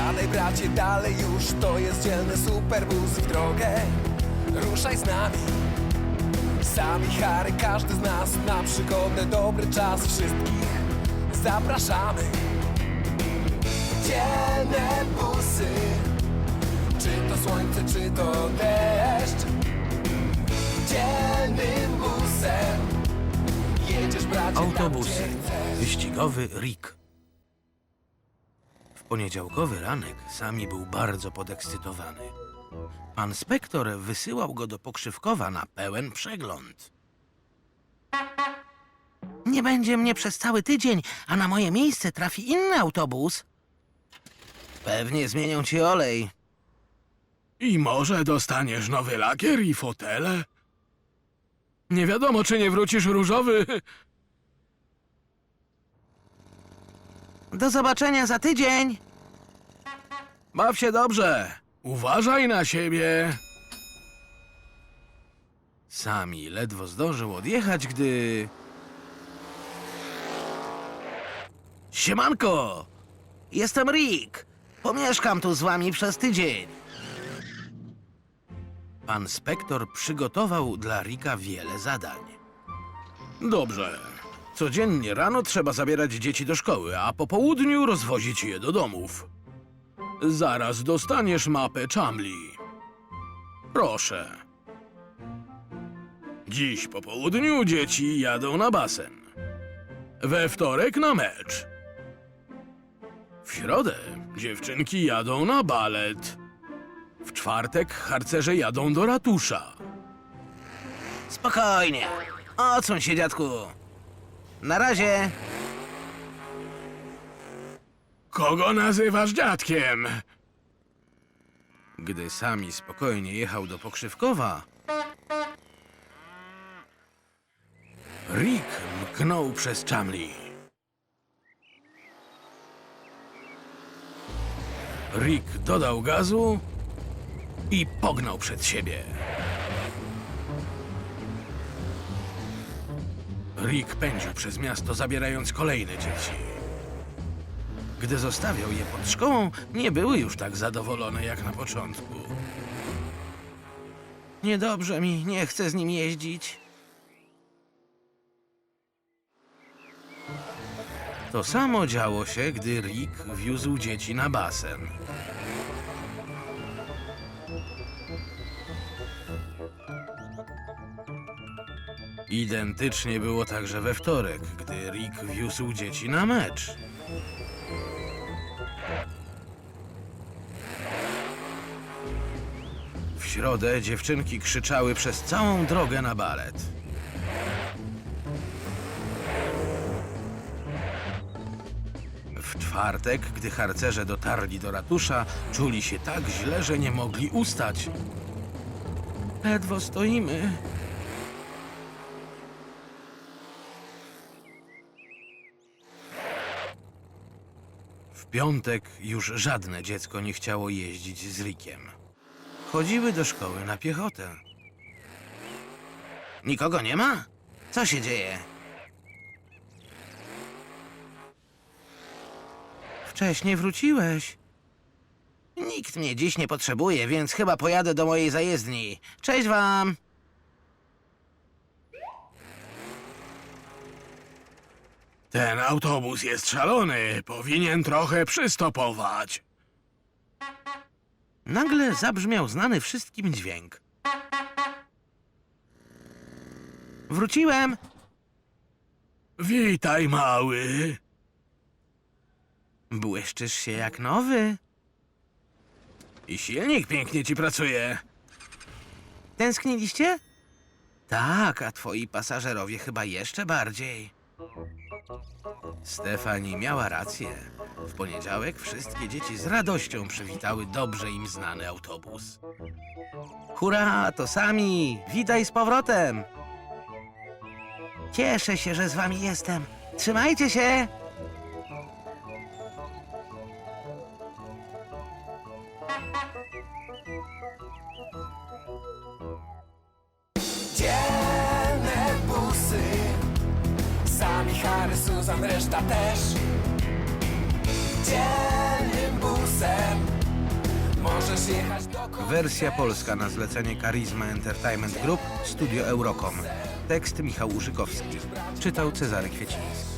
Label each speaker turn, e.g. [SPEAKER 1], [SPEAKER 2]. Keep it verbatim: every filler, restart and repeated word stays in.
[SPEAKER 1] Siadaj bracie, dalej już, to jest dzielny superbus. W drogę ruszaj z nami. Sami Harry, każdy z nas na przygodę, dobry czas. Wszystkich zapraszamy. Dzielne busy, czy to słońce, czy to deszcz. Dzielnym busem jedziesz bracie tam,
[SPEAKER 2] Autobusy.
[SPEAKER 1] gdzie chcesz.
[SPEAKER 2] Wyścigowy Rick. W poniedziałkowy ranek Sami był bardzo podekscytowany. Pan Spektor wysyłał go do Pokrzywkowa na pełen przegląd. Nie będzie mnie przez cały tydzień, a na moje miejsce trafi inny autobus. Pewnie zmienią ci olej.
[SPEAKER 3] I może dostaniesz nowy lakier i fotele? Nie wiadomo, czy nie wrócisz różowy.
[SPEAKER 2] Do zobaczenia za tydzień.
[SPEAKER 3] Baw się dobrze. Uważaj na siebie.
[SPEAKER 2] Sami ledwo zdążył odjechać, gdy... Siemanko! Jestem Rick. Pomieszkam tu z wami przez tydzień. Pan Spektor przygotował dla Ricka wiele zadań.
[SPEAKER 3] Dobrze. Codziennie rano trzeba zabierać dzieci do szkoły, a po południu rozwozić je do domów. Zaraz dostaniesz mapę Chumley. Proszę. Dziś po południu dzieci jadą na basen. We wtorek na mecz. W środę dziewczynki jadą na balet. W czwartek harcerze jadą do ratusza.
[SPEAKER 2] Spokojnie. Odsuń się, dziadku. Na razie.
[SPEAKER 3] Kogo nazywasz dziadkiem?
[SPEAKER 2] Gdy Sami spokojnie jechał do Pokrzywkowa, Rick mknął przez Chumley. Rick dodał gazu i pognał przed siebie. Rick pędził przez miasto, zabierając kolejne dzieci. Gdy zostawiał je pod szkołą, nie były już tak zadowolone jak na początku. Niedobrze mi, nie chcę z nim jeździć. To samo działo się, gdy Rick wiózł dzieci na basen. Identycznie było także we wtorek, gdy Rick wiózł dzieci na mecz. W środę dziewczynki krzyczały przez całą drogę na balet. W czwartek, gdy harcerze dotarli do ratusza, czuli się tak źle, że nie mogli ustać. Ledwo stoimy. W piątek już żadne dziecko nie chciało jeździć z Rickiem. Chodziły do szkoły na piechotę. Nikogo nie ma? Co się dzieje? Wcześnie wróciłeś. Nikt mnie dziś nie potrzebuje, więc chyba pojadę do mojej zajezdni. Cześć wam!
[SPEAKER 3] Ten autobus jest szalony. Powinien trochę przystopować.
[SPEAKER 2] Nagle zabrzmiał znany wszystkim dźwięk. Wróciłem!
[SPEAKER 3] Witaj, mały.
[SPEAKER 2] Błyszczysz się jak nowy.
[SPEAKER 3] I silnik pięknie ci pracuje.
[SPEAKER 2] Tęskniliście? Tak, a twoi pasażerowie chyba jeszcze bardziej. Stefani miała rację. W poniedziałek wszystkie dzieci z radością przywitały dobrze im znany autobus. Hurra, to Sami! Witaj z powrotem! Cieszę się, że z wami jestem. Trzymajcie się!
[SPEAKER 1] Dzielne busy, Sami, Harry, Susan, reszta też. Dzielnym busem możesz jechać do
[SPEAKER 2] Wersja polska na zlecenie Charisma Entertainment Group, Studio Eurocom. Tekst Michał Urzykowski. Czytał Cezary Kwieciński.